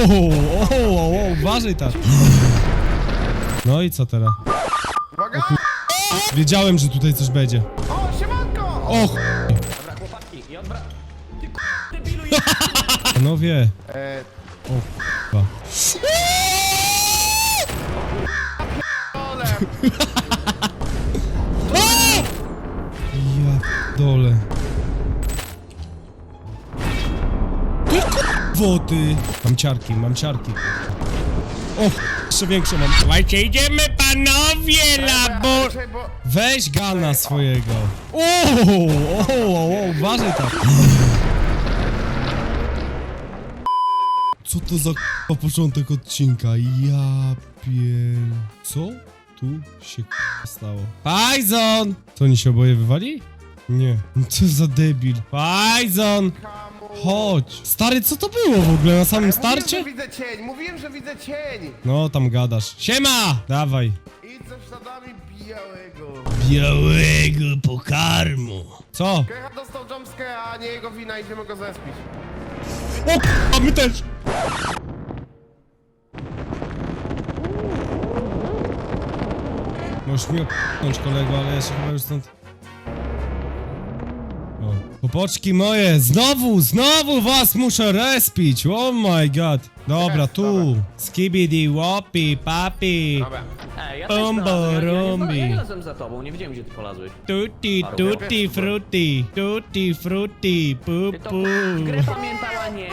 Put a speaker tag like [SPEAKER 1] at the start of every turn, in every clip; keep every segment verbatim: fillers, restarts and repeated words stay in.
[SPEAKER 1] o, o, o, uważaj tak. No i co teraz?
[SPEAKER 2] Uwaga!
[SPEAKER 1] Wiedziałem, że tutaj coś będzie.
[SPEAKER 2] O, siemanko!
[SPEAKER 1] Och,
[SPEAKER 3] Dobra, chłopaki, i odwra... Ty k***, debilu,
[SPEAKER 1] panowie.
[SPEAKER 2] E,
[SPEAKER 1] O, k***a.
[SPEAKER 2] ole!
[SPEAKER 1] Ja dole. Ty wody. Mam ciarki, mam ciarki. O, jeszcze większe mam. Słuchajcie, idziemy panowie, labo...
[SPEAKER 2] Czekaj, bo...
[SPEAKER 1] Weź gana swojego. O, o, o, o, uważaj tak. Co to za k***a początek odcinka? Ja pier... Co tu się k***a stało? Pajzon! Co, oni się oboje wywali? Nie. Co za debil. Pajzon! Chodź. Stary, co to było w ogóle na samym
[SPEAKER 2] Mówiłem,
[SPEAKER 1] starcie?
[SPEAKER 2] że widzę cień, mówiłem, że widzę cień!
[SPEAKER 1] No, tam gadasz. Siema! Dawaj.
[SPEAKER 2] Idź ze śladami białego.
[SPEAKER 1] Białego pokarmu. Co?
[SPEAKER 2] Kecha dostał jumpscare, a nie jego wina, idziemy go zespić.
[SPEAKER 1] O, a my też! Możesz mi opnąć, kolego, ale ja się chyba już stąd... O. Popoczki moje, znowu, znowu was muszę respić, oh my god. Dobra, tu. Skibidi, łopi, papi.
[SPEAKER 2] Dobra.
[SPEAKER 3] Ej, ja
[SPEAKER 1] Bum,
[SPEAKER 3] też znalazłem, ja, ja,
[SPEAKER 1] borumbi.
[SPEAKER 3] ja, ja razem za tobą, nie wiedziałem, gdzie ty polazłeś.
[SPEAKER 1] Tutti, tutti, frutti, tutti, frutti, pu,
[SPEAKER 3] Ty to
[SPEAKER 1] pu.
[SPEAKER 3] k***, grę pamiętała, nie?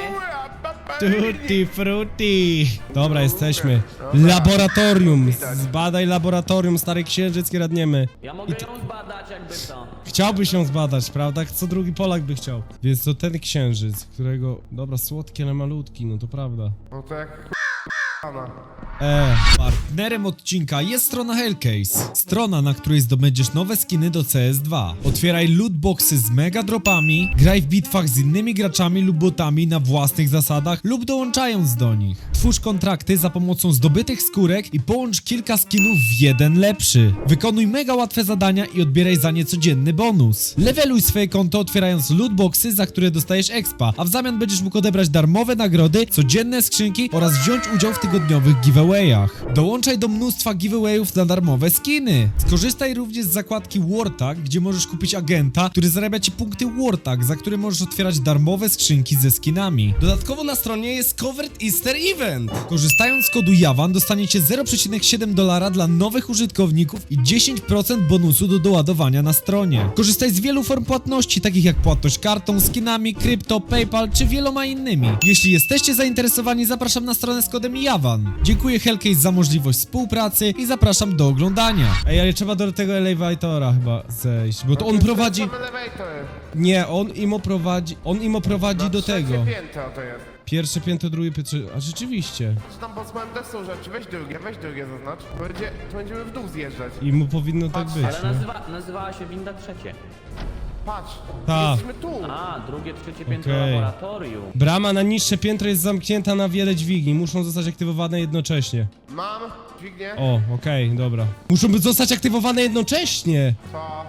[SPEAKER 1] Tutti frutti! Dobra, jesteśmy. Laboratorium! Zbadaj laboratorium, stary księżyc, kradniemy.
[SPEAKER 3] Ja mogę ją zbadać, jakby to.
[SPEAKER 1] Chciałby się zbadać, prawda? Co drugi Polak by chciał. Więc to ten księżyc, którego... Dobra, słodki, ale malutki, no to prawda.
[SPEAKER 2] No to jak k***ana.
[SPEAKER 1] Eee.
[SPEAKER 4] Partnerem odcinka jest strona Hellcase. Strona, na której zdobędziesz nowe skiny do C S dwa. Otwieraj lootboxy z mega dropami, graj w bitwach z innymi graczami lub botami na własnych zasadach lub dołączając do nich. Twórz kontrakty za pomocą zdobytych skórek i połącz kilka skinów w jeden lepszy. Wykonuj mega łatwe zadania i odbieraj za nie codzienny bonus. Leveluj swoje konto otwierając lootboxy, za które dostajesz expa, a w zamian będziesz mógł odebrać darmowe nagrody, codzienne skrzynki oraz wziąć udział w tygodniowych giveawayach. Dołączaj do mnóstwa giveawayów na darmowe skiny. Skorzystaj również z zakładki Wartag, gdzie możesz kupić agenta, który zarabia ci punkty Wartag, za które możesz otwierać darmowe skrzynki ze skinami. Dodatkowo na stronie jest Covered Easter Event. Korzystając z kodu Jawan dostaniecie zero przecinek siedem dolara dla nowych użytkowników i dziesięć procent bonusu do doładowania na stronie. Korzystaj z wielu form płatności, takich jak płatność kartą, skinami, krypto, PayPal czy wieloma innymi. Jeśli jesteście zainteresowani, zapraszam na stronę z kodem Jawan. Dziękuję Hellcase za możliwość współpracy i zapraszam do oglądania. Ej, ale trzeba do tego elevatora chyba zejść, bo to on prowadzi...
[SPEAKER 2] Same elewatory.
[SPEAKER 1] Nie, on im oprowadzi... On im oprowadzi do tego.
[SPEAKER 2] Trzecie piętro to jest.
[SPEAKER 1] Pierwsze piętro, drugie piętro... A rzeczywiście.
[SPEAKER 2] Czy tam pod smołem też są rzeczy? Weź drugie, weź drugie zaznacz. To będzie, to będziemy w dół zjeżdżać.
[SPEAKER 1] I mu powinno tak
[SPEAKER 2] Patrz,
[SPEAKER 1] być,
[SPEAKER 3] Ale
[SPEAKER 1] nie?
[SPEAKER 3] nazywa, nazywała się winda trzecie.
[SPEAKER 2] Patrz,
[SPEAKER 1] Ta.
[SPEAKER 2] jesteśmy tu.
[SPEAKER 3] A, drugie, trzecie piętro
[SPEAKER 1] Okej.
[SPEAKER 3] laboratorium.
[SPEAKER 1] Brama na niższe piętro jest zamknięta na wiele dźwigni. Muszą zostać aktywowane jednocześnie.
[SPEAKER 2] Mam, dźwignię.
[SPEAKER 1] O, okej, dobra. Muszą być zostać aktywowane jednocześnie!
[SPEAKER 2] Co?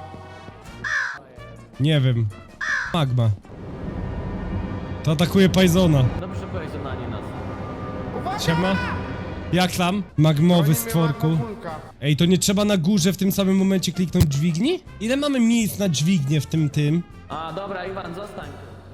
[SPEAKER 1] Nie wiem. Magma. To atakuje Pajzona.
[SPEAKER 3] Dobrze, że powiedział na nie nas.
[SPEAKER 2] Uwaga!
[SPEAKER 1] Siema. Jak tam? Magmowy
[SPEAKER 2] Goni mnie
[SPEAKER 1] stworku.
[SPEAKER 2] magmowulka.
[SPEAKER 1] Ej, to nie trzeba na górze w tym samym momencie kliknąć dźwigni? Ile mamy miejsc na dźwignię w tym tym?
[SPEAKER 3] A, dobra, Iwan, zostań.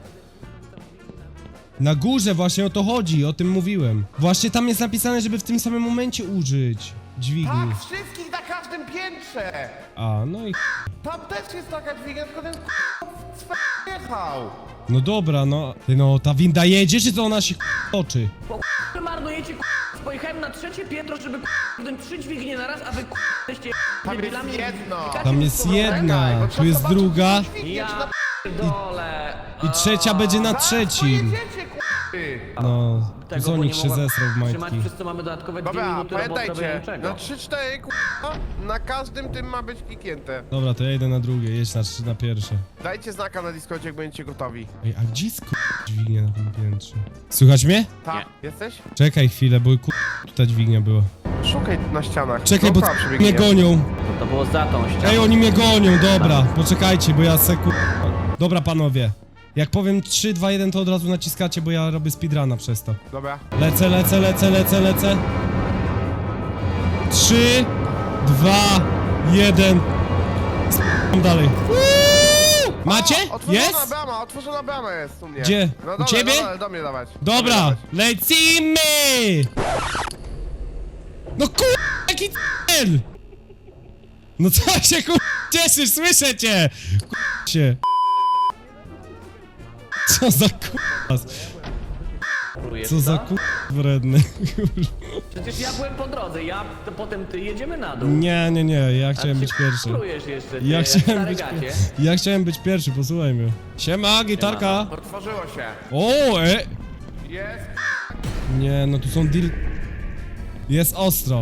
[SPEAKER 1] Na górze właśnie o to chodzi, o tym mówiłem. Właśnie tam jest napisane, żeby w tym samym momencie użyć dźwigni.
[SPEAKER 2] Tak, wszystkich na każdym piętrze!
[SPEAKER 1] A, no i...
[SPEAKER 2] Tam też jest taka dźwignia, tylko ten k***a jechał.
[SPEAKER 1] No dobra, no... Ty no, ta winda jedzie, czy to ona się toczy?
[SPEAKER 3] Bo wy marnujecie k***, pojechałem na trzecie piętro, żeby k***, trzy dźwignie na raz, a wy k***, jesteście
[SPEAKER 2] Tam jest
[SPEAKER 3] debilami.
[SPEAKER 2] jedno.
[SPEAKER 3] Klikacie
[SPEAKER 1] Tam
[SPEAKER 3] w
[SPEAKER 1] jest
[SPEAKER 3] powrotek.
[SPEAKER 1] jedna,
[SPEAKER 2] bo
[SPEAKER 1] tu
[SPEAKER 2] trzeba
[SPEAKER 1] jest
[SPEAKER 2] zobaczyć,
[SPEAKER 1] druga
[SPEAKER 2] czy dźwignie, czy
[SPEAKER 3] Ja
[SPEAKER 2] na
[SPEAKER 3] dole.
[SPEAKER 1] i trzecia będzie na
[SPEAKER 2] Zaraz
[SPEAKER 1] trzecim.
[SPEAKER 2] pojedziecie, k***y.
[SPEAKER 1] No,
[SPEAKER 3] Tego, bo
[SPEAKER 1] Zonik
[SPEAKER 3] nie
[SPEAKER 1] się
[SPEAKER 3] mogłem
[SPEAKER 1] zesrał w
[SPEAKER 3] trzymać,
[SPEAKER 1] majtki.
[SPEAKER 3] przez co mamy dodatkowe dwie
[SPEAKER 2] Dobra,
[SPEAKER 3] minuty roboty
[SPEAKER 2] pamiętajcie,
[SPEAKER 3] niczego.
[SPEAKER 2] na trzy cztery k***a, na każdym tym ma być kliknięte.
[SPEAKER 1] Dobra, to ja idę na drugie, jedź na, trzy- na pierwsze.
[SPEAKER 2] Dajcie znaka na Discordzie, jak będziecie gotowi.
[SPEAKER 1] Ej, a gdzie jest k***a dźwignia na tym piętrze? Słychać mnie?
[SPEAKER 2] Tak, jesteś?
[SPEAKER 1] Czekaj chwilę, bo k***a ta dźwignia była.
[SPEAKER 2] Szukaj na ścianach.
[SPEAKER 1] Czekaj, bo
[SPEAKER 2] Dookoła
[SPEAKER 1] mnie
[SPEAKER 2] przebiegnie.
[SPEAKER 1] gonią.
[SPEAKER 3] To, to było za tą ścianą.
[SPEAKER 1] Ej, oni mnie gonią, dobra, poczekajcie, bo ja se ku... Dobra, panowie. Jak powiem trzy, dwa, jeden, to od razu naciskacie, bo ja robię speedruna przez to.
[SPEAKER 2] Dobra.
[SPEAKER 1] Lecę, lecę, lecę, lecę, lecę. trzy, dwa, jeden. Spam dalej. Uuu! Macie?
[SPEAKER 2] O, otworzona
[SPEAKER 1] Jest?
[SPEAKER 2] brama, otworzona brama jest u mnie.
[SPEAKER 1] Gdzie?
[SPEAKER 2] No
[SPEAKER 1] U
[SPEAKER 2] dole,
[SPEAKER 1] ciebie?
[SPEAKER 2] Do, dole, do mnie dawać. Do mnie
[SPEAKER 1] Dobra,
[SPEAKER 2] dawać.
[SPEAKER 1] lecimy! No kur... jaki cel! No co się kur... cieszysz, słyszę cię! Kur... się. Co za kur...
[SPEAKER 3] Próbujesz
[SPEAKER 1] Co za
[SPEAKER 3] to?
[SPEAKER 1] kur... wredny.
[SPEAKER 3] Przecież ja byłem po drodze, ja, to potem ty, jedziemy na dół.
[SPEAKER 1] Nie, nie, nie, ja
[SPEAKER 3] A
[SPEAKER 1] chciałem
[SPEAKER 3] ty
[SPEAKER 1] być pierwszy.
[SPEAKER 3] Próbujesz jeszcze, ty,
[SPEAKER 1] Ja
[SPEAKER 3] jak
[SPEAKER 1] chciałem
[SPEAKER 3] stare
[SPEAKER 1] być
[SPEAKER 3] gacie.
[SPEAKER 1] Ja chciałem być pierwszy, posłuchaj mnie. Siema, gitarka.
[SPEAKER 2] Otworzyło się.
[SPEAKER 1] O, e...
[SPEAKER 2] Jest.
[SPEAKER 1] Nie, no tu są deal... Jest ostro.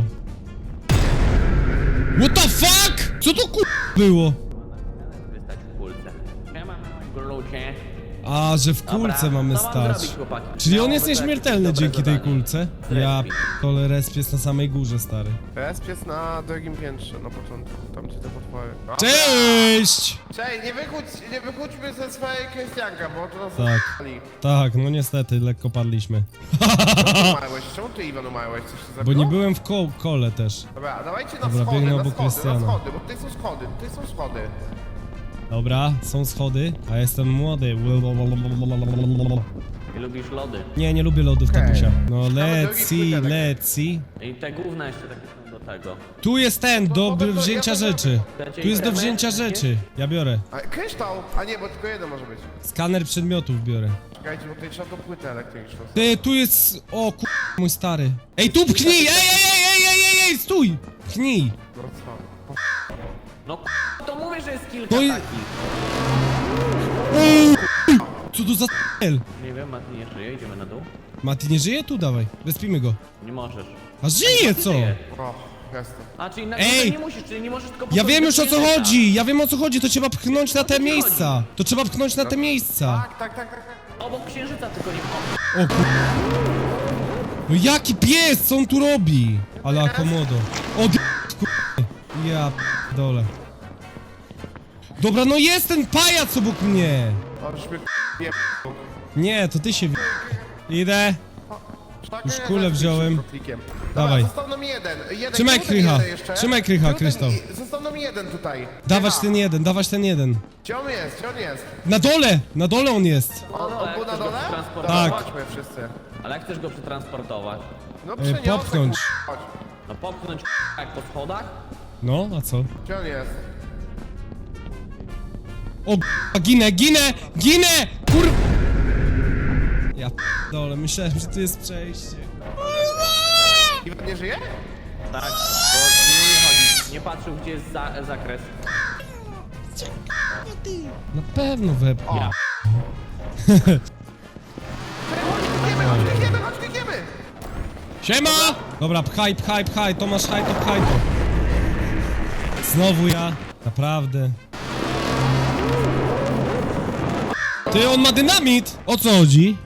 [SPEAKER 1] What the fuck? Co to kur... było?
[SPEAKER 3] Wystać w kulce. Siema, glucie.
[SPEAKER 1] A, że w kulce
[SPEAKER 3] Dobra,
[SPEAKER 1] mamy
[SPEAKER 3] co mam
[SPEAKER 1] stać.
[SPEAKER 3] zrobić, chłopaki?
[SPEAKER 1] Czyli on
[SPEAKER 3] Miało
[SPEAKER 1] jest
[SPEAKER 3] być jakieś
[SPEAKER 1] nieśmiertelny
[SPEAKER 3] dobre
[SPEAKER 1] dzięki tej
[SPEAKER 3] zadanie.
[SPEAKER 1] kulce. Ja p***ole, resp jest na samej górze, stary.
[SPEAKER 2] Resp jest na drugim piętrze, na początku. Tam gdzie te potwory. Dobra.
[SPEAKER 1] Cześć!
[SPEAKER 2] Cześć, nie wychódź, nie wychódźmy ze swojej Krystianka, bo to nas
[SPEAKER 1] Tak.
[SPEAKER 2] zapali.
[SPEAKER 1] Tak, no niestety, lekko padliśmy.
[SPEAKER 2] Umarłeś, czemu ty Iwan umarłeś? Coś się
[SPEAKER 1] Bo
[SPEAKER 2] zabiło?
[SPEAKER 1] nie byłem w ko kole też.
[SPEAKER 2] Dobra, dawajcie na
[SPEAKER 1] Dobra,
[SPEAKER 2] schody,
[SPEAKER 1] biegnę
[SPEAKER 2] na
[SPEAKER 1] obok
[SPEAKER 2] schody,
[SPEAKER 1] Krystiana.
[SPEAKER 2] na schody, bo tutaj są schody, tutaj są schody.
[SPEAKER 1] Dobra, są schody, a jestem młody.
[SPEAKER 3] I lubisz lody.
[SPEAKER 1] Nie, nie lubię lodów,
[SPEAKER 2] Okej.
[SPEAKER 1] tatusia. No
[SPEAKER 2] Nawet
[SPEAKER 1] let's
[SPEAKER 2] drugi
[SPEAKER 1] see,
[SPEAKER 2] płytelek.
[SPEAKER 1] let's see.
[SPEAKER 3] I te gówna jeszcze takie są do tego.
[SPEAKER 1] Tu jest ten, do
[SPEAKER 2] no to ja
[SPEAKER 1] wzięcia
[SPEAKER 2] to
[SPEAKER 1] rzeczy.
[SPEAKER 3] Dacie
[SPEAKER 1] Tu jest do
[SPEAKER 3] itemy?
[SPEAKER 1] wzięcia rzeczy. Ja biorę.
[SPEAKER 2] A, kryształ! A nie, bo tylko jeden może być.
[SPEAKER 1] Skaner przedmiotów biorę.
[SPEAKER 2] Czekajcie, bo tutaj trzeba do płyty elektryczną.
[SPEAKER 1] Ty, tu jest... O kur... mój stary. Ej, tu pchnij! Ej, ej, ej, ej, ej, ej, ej, stój! Pchnij!
[SPEAKER 2] No co?
[SPEAKER 3] No k***a, to mówię, że jest kilka
[SPEAKER 1] No i-
[SPEAKER 3] takich.
[SPEAKER 1] Co to za cel?
[SPEAKER 3] Nie wiem, Mati nie żyje, idziemy na dół.
[SPEAKER 1] Mati nie żyje? Tu dawaj. Wespimy go.
[SPEAKER 3] Nie możesz.
[SPEAKER 1] A żyje co?
[SPEAKER 3] Żyje.
[SPEAKER 2] O, jestem.
[SPEAKER 3] A, czyli na
[SPEAKER 1] Ej!
[SPEAKER 3] Ej! nie musisz, czyli nie możesz tylko...
[SPEAKER 1] Ja
[SPEAKER 3] podchodzić
[SPEAKER 1] wiem
[SPEAKER 3] do
[SPEAKER 1] już o co
[SPEAKER 3] księżyca.
[SPEAKER 1] chodzi! Ja wiem o co chodzi, to trzeba pchnąć na te
[SPEAKER 3] ci
[SPEAKER 1] miejsca! To trzeba pchnąć na te miejsca!
[SPEAKER 2] Tak, tak, tak, tak, tak.
[SPEAKER 3] Obok księżyca tylko nie wchodź.
[SPEAKER 1] O kur... No jaki pies, co on tu robi? Ale akomodo. O d... kur... Ja dole. Dobra, no jest ten pajac obok mnie!
[SPEAKER 2] O, już mnie je...
[SPEAKER 1] Nie, to ty się... wi- Idę.
[SPEAKER 2] Tak,
[SPEAKER 1] Już
[SPEAKER 2] nie,
[SPEAKER 1] kulę
[SPEAKER 2] tak,
[SPEAKER 1] wziąłem.
[SPEAKER 2] klikiem.
[SPEAKER 1] Dawaj.
[SPEAKER 2] Dobra, został nam jeden. jeden.
[SPEAKER 1] Trzymaj
[SPEAKER 2] Czemu ten
[SPEAKER 1] krycha.
[SPEAKER 2] jeden jeszcze?
[SPEAKER 1] Trzymaj krycha,
[SPEAKER 2] Czemu ten
[SPEAKER 1] Kryształ.
[SPEAKER 2] i- Został nam jeden tutaj.
[SPEAKER 1] Dawać
[SPEAKER 2] Krycha.
[SPEAKER 1] ten jeden, dawać ten jeden.
[SPEAKER 2] Gdzie on jest? Gdzie on jest?
[SPEAKER 1] Na dole! Na dole on jest!
[SPEAKER 2] On,
[SPEAKER 3] no,
[SPEAKER 2] on
[SPEAKER 3] jak
[SPEAKER 2] był na
[SPEAKER 3] chcesz go
[SPEAKER 2] dole?
[SPEAKER 3] przetransportować?
[SPEAKER 2] Dobra,
[SPEAKER 1] Tak.
[SPEAKER 2] chodźmy wszyscy.
[SPEAKER 3] Ale jak chcesz go przetransportować?
[SPEAKER 2] No
[SPEAKER 1] E,
[SPEAKER 2] przeniosę,
[SPEAKER 1] popchnąć.
[SPEAKER 2] kur- Chodź.
[SPEAKER 3] No popchnąć k***a, jak po schodach?
[SPEAKER 1] No, a co?
[SPEAKER 2] Gdzie on jest?
[SPEAKER 1] O k***a, ginę, ginę, ginę! Kur... Ja dole, myślałem, że tu jest przejście.
[SPEAKER 2] Iwan nie żyje?
[SPEAKER 3] Tak, bo nie chodzi. Nie patrzył, gdzie jest za, zakres.
[SPEAKER 1] Na pewno wepchnie.
[SPEAKER 3] Ja.
[SPEAKER 2] Chodź, klikniemy, chodź, klikniemy, chodź, klikniemy!
[SPEAKER 1] Siema! Dobra, pchaj, pchaj, pchaj, to masz haj, to pchaj to. Znowu ja, naprawdę. Ty, on ma dynamit! O co chodzi?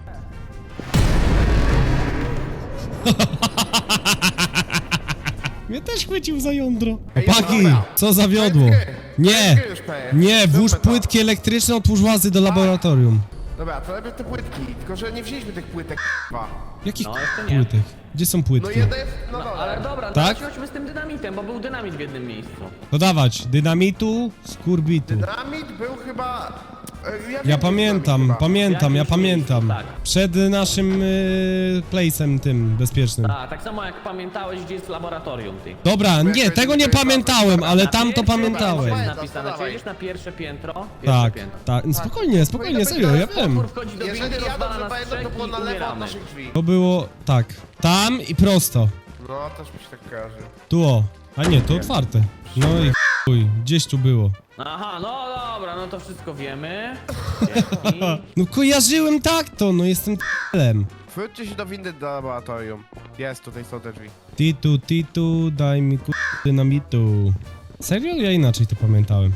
[SPEAKER 1] Mnie też chwycił za jądro.
[SPEAKER 2] Ej,
[SPEAKER 1] Chłopaki,
[SPEAKER 2] dobra.
[SPEAKER 1] co zawiodło?
[SPEAKER 2] Płytki.
[SPEAKER 1] Nie,
[SPEAKER 2] Płytki już peje.
[SPEAKER 1] nie, włóż
[SPEAKER 2] Zróbmy to.
[SPEAKER 1] płytki elektryczne, otwórz łazy do laboratorium.
[SPEAKER 2] Dobra, to najpierw te płytki, tylko że nie wzięliśmy tych płytek, k***wa.
[SPEAKER 1] Jakich
[SPEAKER 3] No, jeszcze nie.
[SPEAKER 1] płytek? Gdzie są
[SPEAKER 2] No
[SPEAKER 1] płytki?
[SPEAKER 2] jedna jest na
[SPEAKER 3] No,
[SPEAKER 2] dole.
[SPEAKER 3] ale dobra,
[SPEAKER 1] Tak?
[SPEAKER 3] tak? chodźmy z tym dynamitem, bo był dynamit w jednym miejscu.
[SPEAKER 1] No dawać, dynamitu, skurbitu.
[SPEAKER 2] Dynamit był chyba... e, Ja, wiem,
[SPEAKER 1] Ja
[SPEAKER 2] gdzie
[SPEAKER 1] pamiętam,
[SPEAKER 2] dynamit chyba.
[SPEAKER 1] pamiętam, ja
[SPEAKER 3] Jakimś
[SPEAKER 1] pamiętam.
[SPEAKER 3] miejscu, tak.
[SPEAKER 1] Przed naszym y, place'em tym bezpiecznym.
[SPEAKER 3] Tak, tak samo jak pamiętałeś, gdzie jest laboratorium, ty.
[SPEAKER 1] Dobra, nie,
[SPEAKER 2] jakoś
[SPEAKER 1] tego nie
[SPEAKER 2] nie
[SPEAKER 1] pamiętałem, ale
[SPEAKER 3] Na
[SPEAKER 1] tam to
[SPEAKER 3] pierwszym
[SPEAKER 1] pamiętałem.
[SPEAKER 3] jest
[SPEAKER 2] Dawaj,
[SPEAKER 3] napisane, czy
[SPEAKER 2] dawaj.
[SPEAKER 3] jedziesz na pierwsze piętro? Pierwsze
[SPEAKER 1] Tak,
[SPEAKER 3] piętro.
[SPEAKER 1] tak, no spokojnie, spokojnie, serio, ja wiem.
[SPEAKER 3] Potwór wchodzi do
[SPEAKER 2] Jeżeli
[SPEAKER 3] windy,
[SPEAKER 2] ja
[SPEAKER 3] rozwala
[SPEAKER 2] dobrze
[SPEAKER 3] nas
[SPEAKER 2] pamiętam, to
[SPEAKER 3] trzech
[SPEAKER 2] było
[SPEAKER 3] i
[SPEAKER 2] na lewo od
[SPEAKER 3] umieramy.
[SPEAKER 2] naszych drzwi.
[SPEAKER 1] To było, tak, tam i prosto.
[SPEAKER 2] No, też mi się tak kojarzy.
[SPEAKER 1] Tu o, a nie, to otwarte. No i chuj, gdzieś tu było.
[SPEAKER 3] Aha, no dobra, no to wszystko wiemy. Dzięki.
[SPEAKER 1] No kojarzyłem tak to, no jestem t***lem.
[SPEAKER 2] Wróćcie się do windy do laboratorium. Jest, tutaj są te drzwi.
[SPEAKER 1] Titu, titu, daj mi ku... dynamitu. Serio? Ja inaczej to pamiętałem.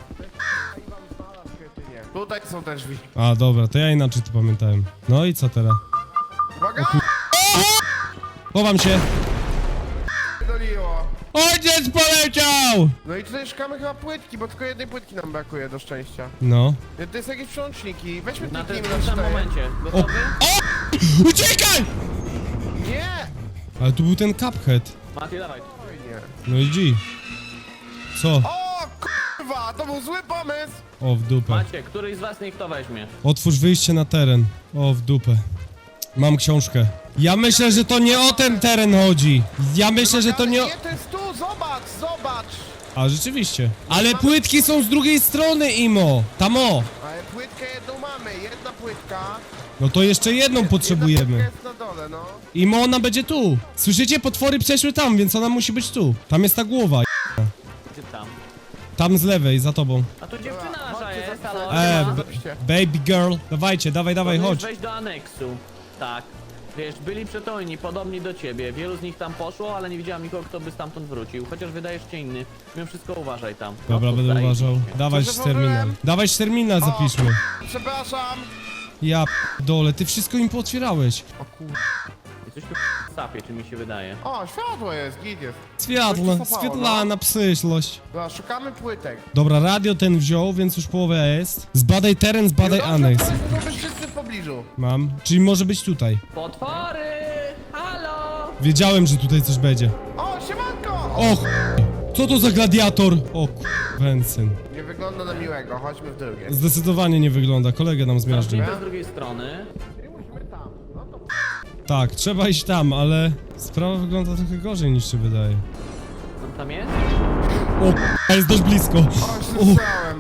[SPEAKER 2] Tutaj są te drzwi.
[SPEAKER 1] A, dobra, to ja inaczej to pamiętałem. No i co teraz?
[SPEAKER 2] Uwaga!
[SPEAKER 1] Chowam się.
[SPEAKER 2] Doliło.
[SPEAKER 1] Ojciec poleciał!
[SPEAKER 2] No i tutaj szukamy chyba płytki, bo tylko jednej płytki nam brakuje do szczęścia.
[SPEAKER 1] No.
[SPEAKER 2] To jest jakieś przełączniki. Weźmy
[SPEAKER 3] Na tym
[SPEAKER 2] kliknijmy na
[SPEAKER 3] samym
[SPEAKER 2] cztery.
[SPEAKER 3] momencie. Gotowy?
[SPEAKER 1] Uciekaj!
[SPEAKER 2] Nie!
[SPEAKER 1] Ale tu był ten Cuphead.
[SPEAKER 3] Mati, dawaj.
[SPEAKER 2] Oj, nie.
[SPEAKER 1] No i G. Co?
[SPEAKER 2] O kurwa, to był zły pomysł!
[SPEAKER 1] O, w dupę.
[SPEAKER 3] Macie, któryś z was niech to weźmie.
[SPEAKER 1] Otwórz wyjście na teren. O, w dupę. Mam książkę. Ja myślę, że to nie o ten teren chodzi. Ja myślę, że to nie o...
[SPEAKER 2] Nie, to jest tu, zobacz, zobacz!
[SPEAKER 1] A, rzeczywiście. Ale płytki są z drugiej strony, Imo. Tam o.
[SPEAKER 2] Ale płytkę jedną mamy, jedna płytka.
[SPEAKER 1] No to jeszcze jedną
[SPEAKER 2] Jedna
[SPEAKER 1] potrzebujemy.
[SPEAKER 2] płytka jest na dole, no.
[SPEAKER 1] Imo, ona będzie tu. Słyszycie? Potwory przeszły tam, więc ona musi być tu. Tam jest ta głowa.
[SPEAKER 3] Gdzie tam?
[SPEAKER 1] Tam z lewej, za tobą.
[SPEAKER 3] A tu dziewczyna nasza
[SPEAKER 2] Chodźcie,
[SPEAKER 3] jest,
[SPEAKER 2] zapisać.
[SPEAKER 3] halo.
[SPEAKER 1] E,
[SPEAKER 3] siema.
[SPEAKER 1] b-
[SPEAKER 2] Zapiszcie.
[SPEAKER 1] baby girl. Dawajcie, dawaj, dawaj,
[SPEAKER 3] Powinieneś
[SPEAKER 1] chodź.
[SPEAKER 3] wejść do aneksu. Tak. Wiesz, byli przytomni, podobni do ciebie. Wielu z nich tam poszło, ale nie widziałem nikogo, kto by stamtąd wrócił. Chociaż wydajesz cię inny. Mimo wszystko uważaj tam. No,
[SPEAKER 1] Dobra,
[SPEAKER 3] to
[SPEAKER 1] będę
[SPEAKER 3] zdaje
[SPEAKER 1] uważał.
[SPEAKER 3] się.
[SPEAKER 1] Dawaj
[SPEAKER 2] Co, że
[SPEAKER 1] terminal.
[SPEAKER 2] włożyłem?
[SPEAKER 1] Dawaj terminal, zapiszmy.
[SPEAKER 2] Przepraszam!
[SPEAKER 1] Ja dole, ty wszystko im pootwierałeś.
[SPEAKER 2] O kur...
[SPEAKER 3] Jesteś tu w sapie, czy mi się wydaje.
[SPEAKER 2] O, światło jest, git jest.
[SPEAKER 1] Światło,
[SPEAKER 2] Coś tu sapało,
[SPEAKER 1] Swietlana, przyszłość.
[SPEAKER 2] Dobra, szukamy płytek.
[SPEAKER 1] Dobra, radio ten wziął, więc już połowę jest. Zbadaj teren, zbadaj
[SPEAKER 2] Dobrze,
[SPEAKER 1] aneks.
[SPEAKER 2] powiedzmy, to być wszyscy w pobliżu.
[SPEAKER 1] Mam. Czyli może być tutaj.
[SPEAKER 3] Potwory! Halo!
[SPEAKER 1] Wiedziałem, że tutaj coś będzie.
[SPEAKER 2] O, siemanko!
[SPEAKER 1] Och, co to za gladiator? O Wensyn.
[SPEAKER 2] Nie wygląda na miłego, chodźmy w drugie.
[SPEAKER 1] Zdecydowanie nie wygląda, kolegę nam zmiażdżył.
[SPEAKER 3] Zacznijmy z drugiej strony.
[SPEAKER 2] Czyli musimy tam. No to...
[SPEAKER 1] Tak, trzeba iść tam, ale sprawa wygląda trochę gorzej niż się wydaje.
[SPEAKER 3] On tam jest?
[SPEAKER 1] O, a jest dość blisko.
[SPEAKER 2] O, już słyszałem.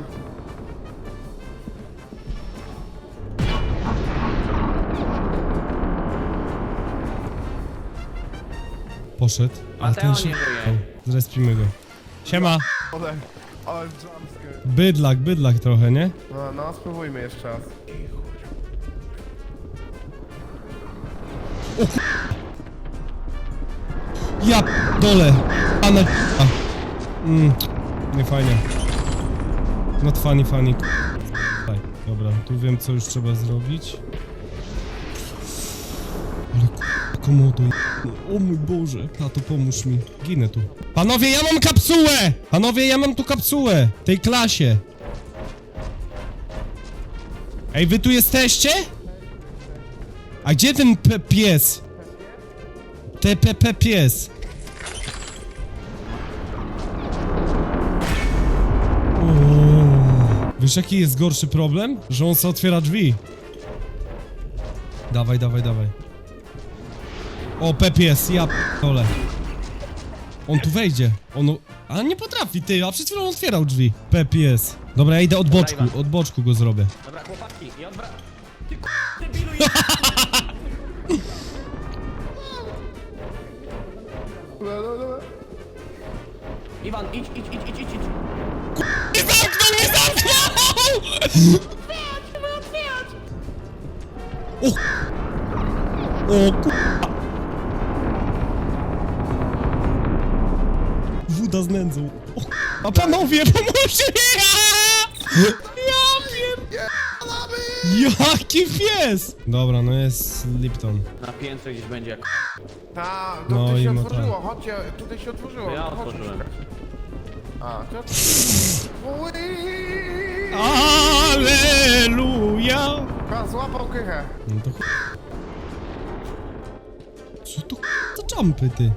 [SPEAKER 1] Poszedł, a
[SPEAKER 3] Mateo
[SPEAKER 1] ten się...
[SPEAKER 3] nie żyje.
[SPEAKER 1] O, zrespimy go. Siema.
[SPEAKER 2] Ale, ale jumpscare.
[SPEAKER 1] Bydlak, bydlak trochę, nie?
[SPEAKER 2] No, no, spróbujmy jeszcze raz.
[SPEAKER 1] Ja dole. A na... A. Mm, nie fajnie. Not funny, funny. Daj, dobra, tu wiem co już trzeba zrobić. Ale k***a, komodo. O mój Boże. Tato, pomóż mi. Ginę tu. Panowie, ja mam kapsułę! Panowie, ja mam tu kapsułę. W tej klasie. Ej, wy tu jesteście? A gdzie ten p pies? T P P pies. Uuu. Wiesz jaki jest gorszy problem? Że on se otwiera drzwi. Dawaj, dawaj, dawaj. O, P pies, ja p***ole. On tu wejdzie. On... A nie potrafi, ty, a przed chwilą otwierał drzwi. P pies. Dobra, ja idę od boczku, od boczku go zrobię.
[SPEAKER 3] Dobra, chłopaki, i odwra... Ty k***, debilu,
[SPEAKER 2] Dobra, dobra, dobra.
[SPEAKER 3] Iwan, idź, idź, idź, idź, idź, idź.
[SPEAKER 1] Nie zamknął, nie zamknął! O! O ku... Woda z nędzą. O, a panowie, pomóżcie! Ja pier... Jaki pies! Dobra, no jest Lipton.
[SPEAKER 3] Na piętrze gdzieś będzie jak...
[SPEAKER 2] Ta, to
[SPEAKER 1] No
[SPEAKER 2] tutaj
[SPEAKER 1] i
[SPEAKER 2] się
[SPEAKER 1] no
[SPEAKER 2] otworzyło, chodźcie, tutaj się otworzyło.
[SPEAKER 3] Ja
[SPEAKER 2] Chodź,
[SPEAKER 3] otworzyłem.
[SPEAKER 2] szukać. A, to... Ui!
[SPEAKER 1] Aleluja!
[SPEAKER 2] Pan złapał kychę.
[SPEAKER 1] No to ch... Co to ch... za jumpy, ty?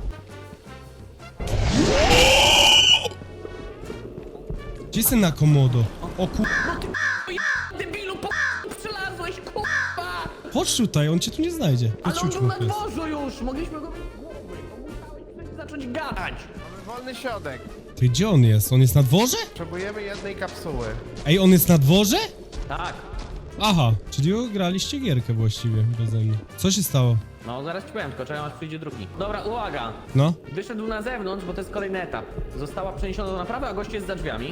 [SPEAKER 1] Gdzie jest ten na komodo? O ku...
[SPEAKER 3] Debilu, po przelazłeś, kurwa!
[SPEAKER 1] Chodź tutaj, on cię tu nie znajdzie.
[SPEAKER 3] Ale
[SPEAKER 1] Chodź,
[SPEAKER 3] on
[SPEAKER 1] chodź,
[SPEAKER 3] był na
[SPEAKER 1] pies.
[SPEAKER 3] dworzu już, mogliśmy go mieć w głowie, bo musiałeś zacząć gadać.
[SPEAKER 2] Mamy wolny środek.
[SPEAKER 1] Ty, gdzie on jest? On jest na dworze?
[SPEAKER 2] Potrzebujemy jednej kapsuły.
[SPEAKER 1] Ej, on jest na dworze?
[SPEAKER 3] Tak.
[SPEAKER 1] Aha, czyli graliście gierkę właściwie beze mnie. Co się stało?
[SPEAKER 3] No, zaraz ci powiem, tylko czekam aż przyjdzie drugi. Dobra, uwaga.
[SPEAKER 1] No?
[SPEAKER 3] Wyszedł na zewnątrz, bo to jest kolejny etap. Została przeniesiona do naprawy, a gość jest za drzwiami.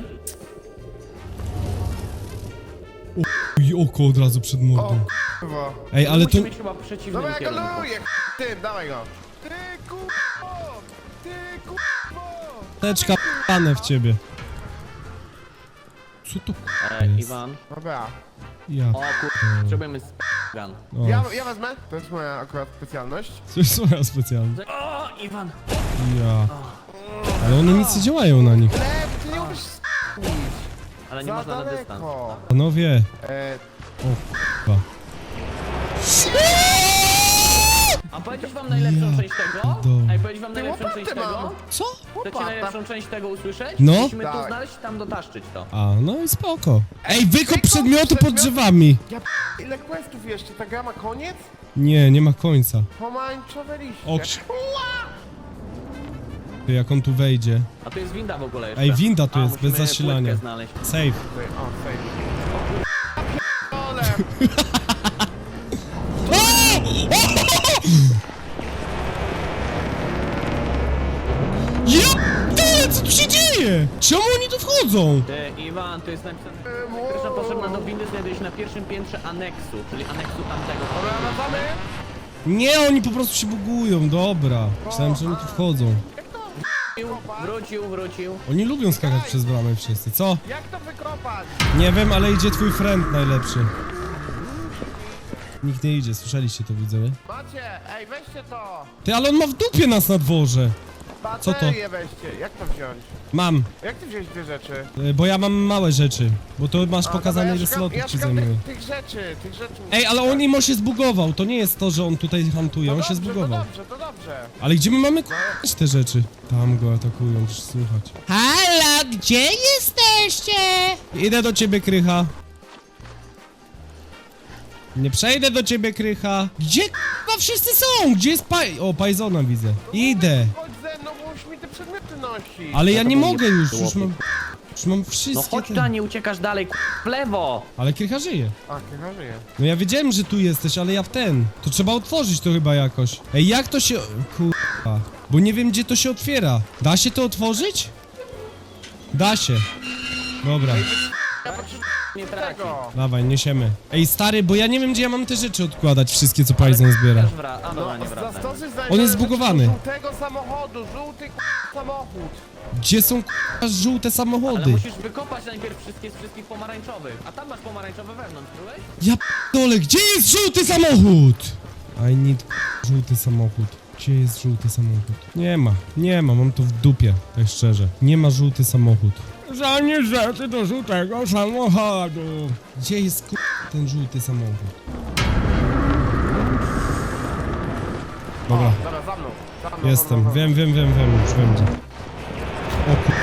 [SPEAKER 1] I oko od razu przed
[SPEAKER 2] O,
[SPEAKER 1] mordą.
[SPEAKER 2] kurwa.
[SPEAKER 1] Ej, ale to...
[SPEAKER 3] Musi być chyba w przeciwnym
[SPEAKER 2] Dobra, ja go
[SPEAKER 3] kierunku.
[SPEAKER 2] luję, tym, dawaj go. Ty kurwo! Ty kurwo!
[SPEAKER 1] Teczka p***ane w ciebie. Co to k***a
[SPEAKER 3] E,
[SPEAKER 1] jest?
[SPEAKER 3] Iwan.
[SPEAKER 2] Dobra.
[SPEAKER 1] Ja
[SPEAKER 3] O kur... Potrzebujemy sp***gan.
[SPEAKER 1] O,
[SPEAKER 2] Ja, ja wezmę, to jest moja akurat specjalność.
[SPEAKER 1] to jest moja specjalna.
[SPEAKER 3] O, Iwan!
[SPEAKER 1] Ja. Ale one nic nie działają na nich.
[SPEAKER 2] Lew, ty nie umiesz s***nić.
[SPEAKER 3] Ale nie
[SPEAKER 2] Za
[SPEAKER 3] można na dystans.
[SPEAKER 2] daleko.
[SPEAKER 1] Panowie.
[SPEAKER 2] E,
[SPEAKER 1] O k***a.
[SPEAKER 3] A powiedzieć wam najlepszą
[SPEAKER 1] Ja
[SPEAKER 3] część tego?
[SPEAKER 1] pierdolę.
[SPEAKER 3] Ej, powiedzieć wam
[SPEAKER 2] Ty,
[SPEAKER 3] najlepszą
[SPEAKER 2] łopatę
[SPEAKER 3] część tego?
[SPEAKER 2] mam.
[SPEAKER 1] Co?
[SPEAKER 3] Chcecie
[SPEAKER 2] Łopata.
[SPEAKER 3] najlepszą część tego usłyszeć?
[SPEAKER 1] No.
[SPEAKER 3] Musimy tu
[SPEAKER 2] Tak.
[SPEAKER 3] znaleźć i tam dotaszczyć to.
[SPEAKER 1] A, no i spoko. Ej, wykop
[SPEAKER 2] wykop
[SPEAKER 1] przedmioty pod
[SPEAKER 2] przedmioty.
[SPEAKER 1] drzewami.
[SPEAKER 2] ja p... Ile questów jeszcze? Ta gra ma koniec?
[SPEAKER 1] Nie, nie ma końca.
[SPEAKER 2] Pomarańczowe liście.
[SPEAKER 1] O, krz- Ty, jak on tu wejdzie.
[SPEAKER 3] A tu jest winda w ogóle jeszcze.
[SPEAKER 1] Ej, winda tu
[SPEAKER 3] A,
[SPEAKER 1] jest, bez
[SPEAKER 3] musimy
[SPEAKER 1] zasilania.
[SPEAKER 3] płytkę znaleźć.
[SPEAKER 1] Save.
[SPEAKER 2] Tutaj, o, save. O, p***ole.
[SPEAKER 1] Ja p***dolę, co tu się dzieje? Czemu oni tu wchodzą?
[SPEAKER 3] Ty, Iwan, tu jest napisane...
[SPEAKER 2] wow.
[SPEAKER 3] Pierwsza potrzebna do windy znajduje się na pierwszym piętrze aneksu, czyli aneksu tamtego.
[SPEAKER 2] Dobra, wracamy?
[SPEAKER 1] Nie, oni po prostu się bugują, dobra. Myślałem, że oni tu wchodzą.
[SPEAKER 3] Wrócił, wrócił, wrócił.
[SPEAKER 1] Oni lubią skakać przez bramę wszyscy, co?
[SPEAKER 2] Jak to wykopać?
[SPEAKER 1] Nie wiem, ale idzie twój friend najlepszy. Nikt nie idzie, słyszeliście to, widzowie?
[SPEAKER 2] Macie, ej, weźcie to.
[SPEAKER 1] Ty, ale on ma w dupie nas na dworze. Co to?
[SPEAKER 2] Baterię weźcie. Jak to wziąć?
[SPEAKER 1] Mam,
[SPEAKER 2] Jak ty wziąłeś dwie rzeczy?
[SPEAKER 1] y, bo ja mam małe rzeczy. Bo to masz
[SPEAKER 2] A,
[SPEAKER 1] pokazane,
[SPEAKER 2] dobra,
[SPEAKER 1] ile
[SPEAKER 2] ja szukam-
[SPEAKER 1] slotów
[SPEAKER 2] ja
[SPEAKER 1] ci
[SPEAKER 2] szukam
[SPEAKER 1] zajmuje.
[SPEAKER 2] tych, tych rzeczy, tych rzeczy.
[SPEAKER 1] Ej, ale on imo się zbugował, to nie jest to, że on tutaj hantuje, on
[SPEAKER 2] to
[SPEAKER 1] się
[SPEAKER 2] dobrze,
[SPEAKER 1] zbugował.
[SPEAKER 2] To dobrze, to dobrze.
[SPEAKER 1] Ale gdzie my mamy k***ać te rzeczy? Tam go atakują, też słuchać. Halo, gdzie jesteście? Idę do ciebie, Krycha. Nie przejdę do ciebie, Krycha. Gdzie k***a wszyscy są? Gdzie jest Paj... O, Pajzona widzę. Idę.
[SPEAKER 2] Chodź ze mną, bo już mi te przedmioty nosi.
[SPEAKER 1] Ale ja
[SPEAKER 3] to
[SPEAKER 1] nie
[SPEAKER 3] był
[SPEAKER 1] mogę
[SPEAKER 3] nie-
[SPEAKER 1] już,
[SPEAKER 3] to
[SPEAKER 1] już mam...
[SPEAKER 3] łopik.
[SPEAKER 1] Już mam
[SPEAKER 3] No
[SPEAKER 1] wszystkie
[SPEAKER 3] chodź
[SPEAKER 1] te...
[SPEAKER 3] ta, nie uciekasz dalej, k***, w lewo.
[SPEAKER 1] Ale Krycha żyje.
[SPEAKER 2] A, chyba żyje.
[SPEAKER 1] No ja wiedziałem, że tu jesteś, ale ja w ten. To trzeba otworzyć to chyba jakoś. Ej, jak to się... Kurwa. Bo nie wiem, gdzie to się otwiera. Da się to otworzyć? Da się. Dobra.
[SPEAKER 2] Ja potrzebuję
[SPEAKER 3] Nie traci.
[SPEAKER 2] tego.
[SPEAKER 1] Dawaj, niesiemy. Ej, stary, bo ja nie wiem, gdzie ja mam te rzeczy odkładać, wszystkie, co Pajzon zbiera.
[SPEAKER 3] Też wra- A
[SPEAKER 2] No,
[SPEAKER 3] dobra, nie wracaj.
[SPEAKER 2] zastosuj
[SPEAKER 1] On jest zbugowany.
[SPEAKER 2] żółtego samochodu, żółty k***a samochód.
[SPEAKER 1] Gdzie są k***a żółte
[SPEAKER 3] Ale
[SPEAKER 1] samochody?
[SPEAKER 3] musisz wykopać najpierw wszystkie z wszystkich pomarańczowych. A tam masz pomarańczowe wewnątrz, byłeś?
[SPEAKER 1] Ja p***dolę, gdzie jest żółty samochód? I need k***a, żółty samochód. Gdzie jest żółty samochód? Nie ma, nie ma, mam to w dupie, tak szczerze. Nie ma żółty samochód. Zanieś rzeczy do żółtego samochodu. Gdzie jest k***a, ten żółty samochód? Dobra,
[SPEAKER 2] Dobra, za mną. Za mną, za
[SPEAKER 1] jestem,
[SPEAKER 2] mną, za
[SPEAKER 1] wiem, wiem, wiem, wiem, już wiem gdzie. O k***.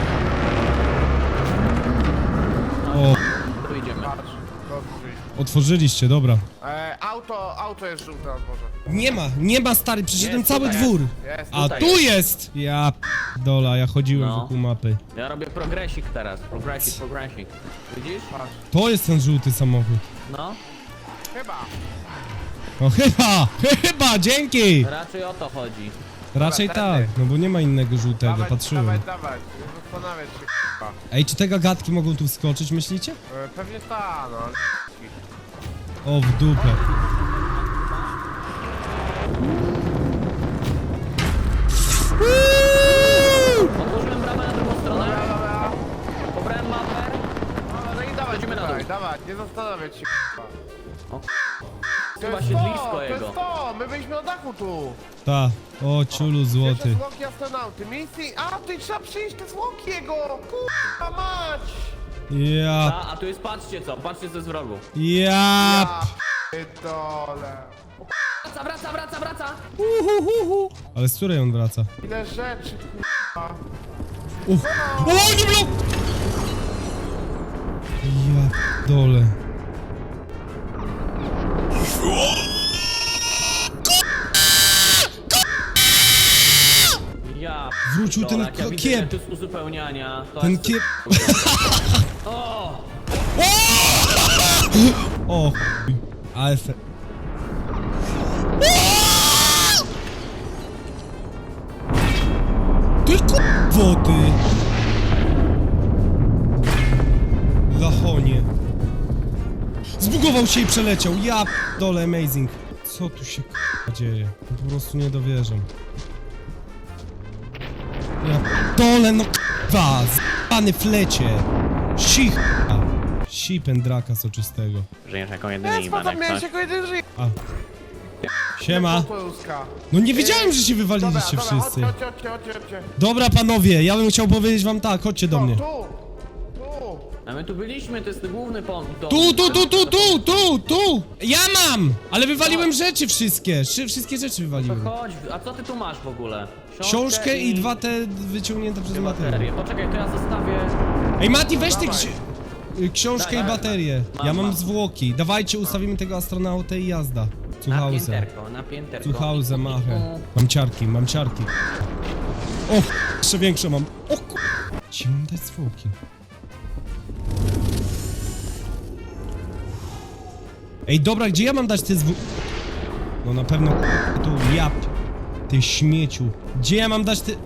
[SPEAKER 1] O,
[SPEAKER 3] Tu idziemy.
[SPEAKER 2] mną. Patrz, do drzwi.
[SPEAKER 1] otworzyliście, dobra.
[SPEAKER 2] E, auto, auto jest żółte na dworze.
[SPEAKER 1] Nie ma, nie ma, stary, przeszedłem
[SPEAKER 3] Jest,
[SPEAKER 1] cały
[SPEAKER 3] tutaj
[SPEAKER 1] dwór.
[SPEAKER 2] Jest.
[SPEAKER 1] A
[SPEAKER 3] tutaj
[SPEAKER 1] tu
[SPEAKER 3] jest.
[SPEAKER 1] jest! Ja dola, ja chodziłem
[SPEAKER 3] No.
[SPEAKER 1] wokół mapy.
[SPEAKER 3] Ja robię progresik teraz. Progresik, progresik. Widzisz?
[SPEAKER 2] Patrz.
[SPEAKER 1] To jest ten żółty samochód.
[SPEAKER 3] No.
[SPEAKER 2] Chyba.
[SPEAKER 1] O chyba, chyba, dzięki!
[SPEAKER 3] Raczej o to chodzi.
[SPEAKER 1] Raczej
[SPEAKER 2] Dobra,
[SPEAKER 1] tak,
[SPEAKER 2] tędy.
[SPEAKER 1] no bo nie ma innego żółtego,
[SPEAKER 2] Dawać,
[SPEAKER 1] patrzyłem.
[SPEAKER 2] dawać, dawać. Nie zastanawiać się k***a.
[SPEAKER 1] Ej, czy te gagatki mogą tu wskoczyć, myślicie?
[SPEAKER 2] E, pewnie ta, no ale...
[SPEAKER 1] O, w dupę.
[SPEAKER 3] Otworzyłem bramę na drugą stronę.
[SPEAKER 2] Dobra, dobra.
[SPEAKER 3] Pobrałem mapę.
[SPEAKER 2] No, no i dawać
[SPEAKER 3] Chodzimy na
[SPEAKER 2] tutaj,
[SPEAKER 3] dół.
[SPEAKER 2] dawać, nie zastanawiać się k***a.
[SPEAKER 3] O,
[SPEAKER 2] To
[SPEAKER 3] chyba
[SPEAKER 2] jest
[SPEAKER 3] siedlisko
[SPEAKER 2] to,
[SPEAKER 3] jego.
[SPEAKER 2] To jest to, my byliśmy na dachu tu.
[SPEAKER 1] Ta, o ciulu
[SPEAKER 2] Pierwsze
[SPEAKER 1] złoty.
[SPEAKER 2] zwłoki astronauty, misji... A, tutaj trzeba przyjść te zwłoki jego! K***a mać!
[SPEAKER 1] Ja,
[SPEAKER 3] A, a tu jest, patrzcie co, patrzcie co jest w rogu.
[SPEAKER 1] ja.
[SPEAKER 2] Ja p***dole.
[SPEAKER 3] Wraca, wraca, wraca, wraca.
[SPEAKER 1] Uhuhuhu. Ale z której on wraca?
[SPEAKER 2] Ile rzeczy, k***a.
[SPEAKER 1] Uch. O, nie blok! Ja dole.
[SPEAKER 3] Ja
[SPEAKER 1] Wrócił ten
[SPEAKER 3] dole, jak ja
[SPEAKER 1] ko-
[SPEAKER 3] widzę,
[SPEAKER 1] kiep.
[SPEAKER 3] że to jest uzupełniania. To
[SPEAKER 1] Ten
[SPEAKER 3] jest...
[SPEAKER 1] kiep...
[SPEAKER 3] O!
[SPEAKER 1] O, chuj. Ale fe... Ty kurwo, ty! Lachonie. Zbugował się i przeleciał. Ja dole, amazing. Co tu się k***a dzieje? No po prostu nie dowierzam. Ja dole, no k***a! Zbany flecie! Sich! Si pędraka soczystego.
[SPEAKER 3] Żyjesz jako jedyny
[SPEAKER 2] Jest,
[SPEAKER 3] Iwan,
[SPEAKER 2] potem
[SPEAKER 3] jak
[SPEAKER 2] miałeś
[SPEAKER 3] coś.
[SPEAKER 2] jako jeden żyje.
[SPEAKER 1] A, Siema.
[SPEAKER 2] Polska.
[SPEAKER 1] No nie wiedziałem, że się
[SPEAKER 2] Dobra,
[SPEAKER 1] wywaliliście
[SPEAKER 2] dobra,
[SPEAKER 1] wszyscy.
[SPEAKER 2] chodźcie, chodźcie, chodźcie, chodźcie.
[SPEAKER 1] Dobra panowie, ja bym chciał powiedzieć wam tak, chodźcie do
[SPEAKER 2] O,
[SPEAKER 1] mnie.
[SPEAKER 2] tu, tu.
[SPEAKER 3] A my tu byliśmy, to jest ten główny pont.
[SPEAKER 1] Tu, tu, tu, tu, tu, tu, tu! Ja mam! Ale wywaliłem rzeczy wszystkie, Szy- wszystkie rzeczy
[SPEAKER 3] To
[SPEAKER 1] wywaliłem.
[SPEAKER 3] chodź, a co ty tu masz w ogóle?
[SPEAKER 1] Książkę i dwa te wyciągnięte przez
[SPEAKER 3] dwie
[SPEAKER 1] Matę.
[SPEAKER 3] baterie. Poczekaj, to ja zostawię...
[SPEAKER 1] Ej Mati, weź ty
[SPEAKER 2] Dawaj.
[SPEAKER 1] ksi- y, książkę
[SPEAKER 3] Daj,
[SPEAKER 1] i
[SPEAKER 3] daj,
[SPEAKER 1] baterię.
[SPEAKER 3] Mam,
[SPEAKER 1] Ja mam
[SPEAKER 3] mam.
[SPEAKER 1] zwłoki. Dawajcie, ustawimy tego astronautę i jazda.
[SPEAKER 3] Na
[SPEAKER 1] Słuchałze.
[SPEAKER 3] pięterko, na pięterko.
[SPEAKER 1] Słuchałze, machę. Mam ciarki, mam ciarki. O, jeszcze większe mam. O ku... Ci mam dać zwłoki. Ej, dobra, gdzie ja mam dać te zwłoki? No na pewno ku- tu, ja... p- Ty śmieciu. Gdzie ja mam dać te...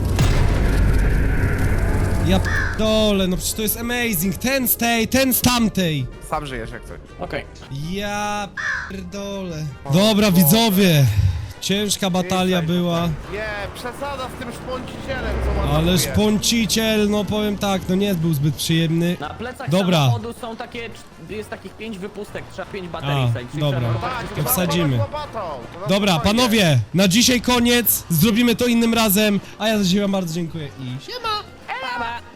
[SPEAKER 1] Ja dole, no przecież to jest amazing. Ten z tej, ten z tamtej.
[SPEAKER 2] Sam żyjesz jak coś.
[SPEAKER 3] Okej.
[SPEAKER 1] Ja pierdolę. Dobra, widzowie. Ciężka batalia
[SPEAKER 2] Jesteś,
[SPEAKER 1] była.
[SPEAKER 2] Nie, przesada z tym szponcicielem, co ma
[SPEAKER 1] Ale
[SPEAKER 2] na
[SPEAKER 1] szponciciel, no powiem tak, no nie był zbyt przyjemny.
[SPEAKER 3] Na plecach
[SPEAKER 1] Dobra.
[SPEAKER 3] samochodu są takie, cz- jest takich pięć wypustek, trzeba pięć baterii
[SPEAKER 1] A,
[SPEAKER 3] wsadzić. czyli
[SPEAKER 1] dobra.
[SPEAKER 3] trzeba
[SPEAKER 2] Tak,
[SPEAKER 3] wszystkie
[SPEAKER 1] to
[SPEAKER 2] trzeba
[SPEAKER 1] wsadzimy.
[SPEAKER 2] pomóc łopatą, to na
[SPEAKER 1] Dobra,
[SPEAKER 2] spokojnie.
[SPEAKER 1] panowie, na dzisiaj koniec. Zrobimy to innym razem. A ja za dzisiaj wam bardzo dziękuję i siema.